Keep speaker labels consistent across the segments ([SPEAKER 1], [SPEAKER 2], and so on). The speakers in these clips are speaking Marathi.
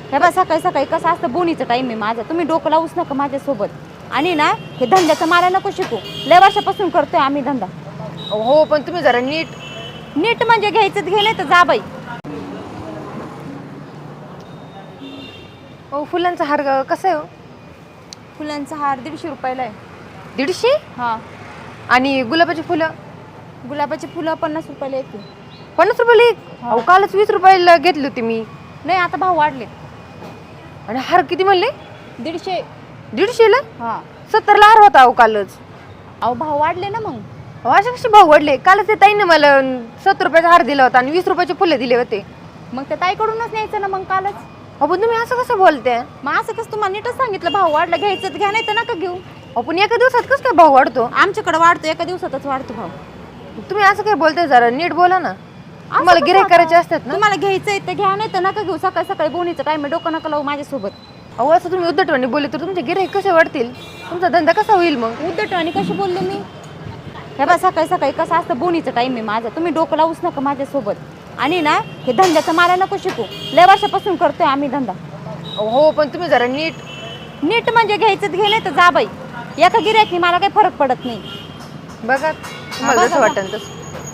[SPEAKER 1] हे बा सकाळी सकाळी कसं असतं बोनीचं टाइम आहे माझा, तुम्ही डोकं लावूच नका माझ्यासोबत. आणि ना हे धंद्याचं मला नको शिकू, लय वर्षापासून करतोय आम्ही धंदा.
[SPEAKER 2] हो पण तुम्ही जरा नीट.
[SPEAKER 1] नीट म्हणजे घ्यायचं घे, नाही तर जा बाई.
[SPEAKER 2] फुलांचा हार कसा आहे हो?
[SPEAKER 1] फुलांचा हार 150 रुपयाला आहे.
[SPEAKER 2] 150?
[SPEAKER 1] हा.
[SPEAKER 2] आणि गुलाबाची फुलं?
[SPEAKER 1] गुलाबाची फुलं 50 रुपयाला येते.
[SPEAKER 2] 50 रुपयाला एक? अहो कालच 20 रुपयाला घेतली होती मी.
[SPEAKER 1] नाही आता भाव वाढले.
[SPEAKER 2] आणि हार किती म्हणले?
[SPEAKER 1] 150.
[SPEAKER 2] 150 ला?
[SPEAKER 1] हा.
[SPEAKER 2] 70 ला हार होता अहो कालच.
[SPEAKER 1] अहो भाव वाढले ना मग.
[SPEAKER 2] अशा कसे भाव वाढले? कालच ते ताईने मला 70 रुपयाचा हार दिला होता आणि 20 रुपयाचे फुले दिले होते.
[SPEAKER 1] मग त्या ताईकडूनच न्यायचं ना मग कालच.
[SPEAKER 2] अहो पण तुम्ही असं कसं बोलते?
[SPEAKER 1] मग असं कसं तुम्हाला नीटच सांगितलं, भाव वाढला घ्यायचं घ्या, नाही तर नका घेऊ.
[SPEAKER 2] आपण एका दिवसात कसं काय भाव वाढतो?
[SPEAKER 1] आमच्याकडे वाढतो, एका दिवसातच वाढतो भाव.
[SPEAKER 2] तुम्ही असं काय बोलताय? जरा नीट बोला ना. तुम्हाला गिऱ्हाईक करायचे असतात ना.
[SPEAKER 1] तुम्हाला घ्यायचंय तर घ्या, नाही तर नका घेऊ. सकाळी सकाळी बोनीचं टाइम आहे, डोकं नका लावू माझ्यासोबत.
[SPEAKER 2] अहो असं तुम्ही उद्धटवाणी बोलले तर तुमचे गिऱ्हाईक कसे वाढतील? तुमचा धंदा कसा होईल मग?
[SPEAKER 1] उद्धटवाणी कशी बोलले मी? हे बा सकाळी सकाळी कसं असतं बोनीचं टाइम आहे माझा, तुम्ही डोकं लावूच नका माझ्यासोबत. आणि ना हे धंद्याचं मला नको शिकू, लय वर्षापासून करतोय आम्ही धंदा.
[SPEAKER 2] हो पण तुम्ही जरा नीट.
[SPEAKER 1] नीट म्हणजे घ्यायचं घे, नाही तर जा बाई. एका गिऱ्हाईकनी मला काही फरक पडत नाही.
[SPEAKER 2] बघा तुम्हाला जसं वाटेल तसं.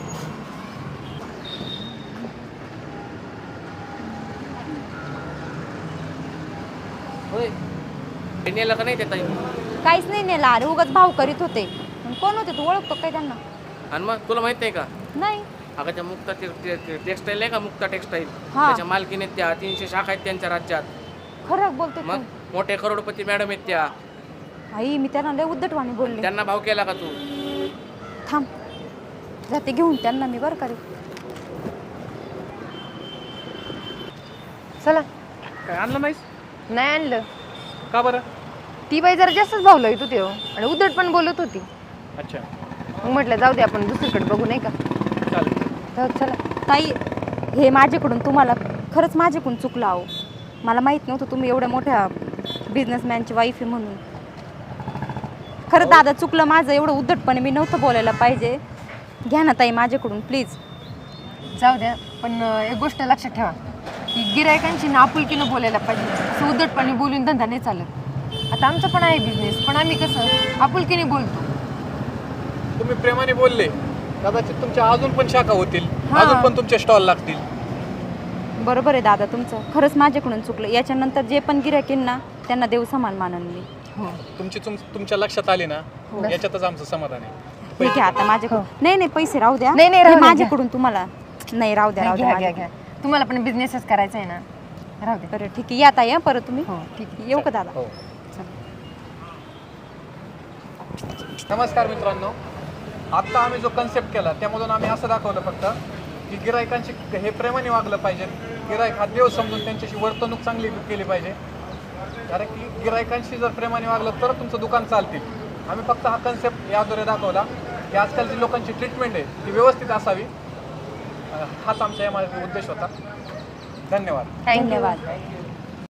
[SPEAKER 3] नेलं का नाही ते ताई?
[SPEAKER 1] काहीच नाही नेला, अरे उगाच भाव करीत होते. कोण होते तू, ओळखतो काय त्यांना?
[SPEAKER 3] आणि मग तुला माहित नाही का?
[SPEAKER 1] नाही.
[SPEAKER 3] अगं त्या मुक्ता टेक्सटाईल आहे का, मुक्ता टेक्सटाईल,
[SPEAKER 1] हा.
[SPEAKER 3] त्याच्या मालकीने त्या 300 शाखा आहेत त्यांच्या राज्यात.
[SPEAKER 1] खरं बोलतो
[SPEAKER 3] मग
[SPEAKER 1] तू.
[SPEAKER 3] मोठे करोडपती मॅडम आहेत त्या.
[SPEAKER 1] आई मी त्यांना लय उद्धटवाणी बोलले.
[SPEAKER 3] त्यांना भाव केला का तू?
[SPEAKER 1] थांब जाते घेऊन त्यांना मी, बरं करे.
[SPEAKER 2] चला.
[SPEAKER 4] काय आणलं नाहीस?
[SPEAKER 2] नाही आणलं.
[SPEAKER 4] का बरं?
[SPEAKER 2] ती बाई जरा जास्तच भाव लावत होती हो, आणि उद्धट पण बोलत होती.
[SPEAKER 4] अच्छा
[SPEAKER 2] मग म्हटलं जाऊ दे आपण दुसरीकडे बघू, नाही का?
[SPEAKER 4] चालेल.
[SPEAKER 2] जाऊ चला.
[SPEAKER 1] ताई हे माझ्याकडून तुम्हाला खरंच माझ्याकडून चुकलं आहो. मला माहीत नव्हतं तुम्ही एवढ्या मोठ्या बिझनेसमॅनची वाईफ आहे म्हणून. खरं दादा चुकलं माझं, एवढं उद्धटपणे मी नव्हतं बोलायला पाहिजे. घ्या ना ताई माझ्याकडून प्लीज.
[SPEAKER 2] जाऊ द्या पण एक गोष्ट लक्षात ठेवा की गिरायकांची ना आपुलकीनं बोलायला पाहिजे. असं उद्धटपणे बोलून धंदा नाही चालत. आता आमचं पण आहे बिझनेस, पण आम्ही कसं आपुलकीने बोलतो.
[SPEAKER 4] तुम्ही प्रेमाने बोलले, कदाचित तुमच्या अजून पण शाखा होतील, अजून पण तुमचे स्टॉल लागतील.
[SPEAKER 1] बरोबर आहे दादा तुमचं, खरंच माझ्याकडून चुकलं. याच्यानंतर जे पण गिऱ्हाईक ना त्यांना देव समान मानन मी.
[SPEAKER 2] हो
[SPEAKER 4] तुमच्या लक्षात आले ना, याच्यातच आमचं समाधान आहे.
[SPEAKER 1] ठीक आहे आता माझ्याकडून. नाही नाही पैसे राहू द्या.
[SPEAKER 2] नाही, राहू
[SPEAKER 1] हे
[SPEAKER 2] द्या,
[SPEAKER 1] माझ्याकडून तुम्हाला. नाही राहू द्या, राहू द्या
[SPEAKER 2] घ्या
[SPEAKER 1] माझ्याकडून.
[SPEAKER 2] घ्या. तुम्हाला पण बिझनेसच करायचा आहे ना, राहू दे.
[SPEAKER 1] बरं ठीक आहे, या ताई परत तुम्ही.
[SPEAKER 2] हो ठीक आहे.
[SPEAKER 1] येऊ का दादा?
[SPEAKER 4] हो. नमस्कार मित्रांनो, आत्ता आम्ही जो कन्सेप्ट केला त्यामधून आम्ही असं दाखवलं फक्त की गिरायकांची हे प्रेमाने वागलं पाहिजे. गिरायक हा देव समजून त्यांच्याशी वर्तणूक चांगली केली पाहिजे. कारण की गिरायकांशी जर प्रेमाने वागलं तर तुमचं दुकान चालतील. आम्ही फक्त हा कन्सेप्ट याद्वारे दाखवला की आजकालची लोकांची ट्रीटमेंट आहे ती व्यवस्थित असावी. हाच आमच्या यामागे उद्देश होता. धन्यवाद.
[SPEAKER 2] थँक्यू.
[SPEAKER 1] धन्यवाद.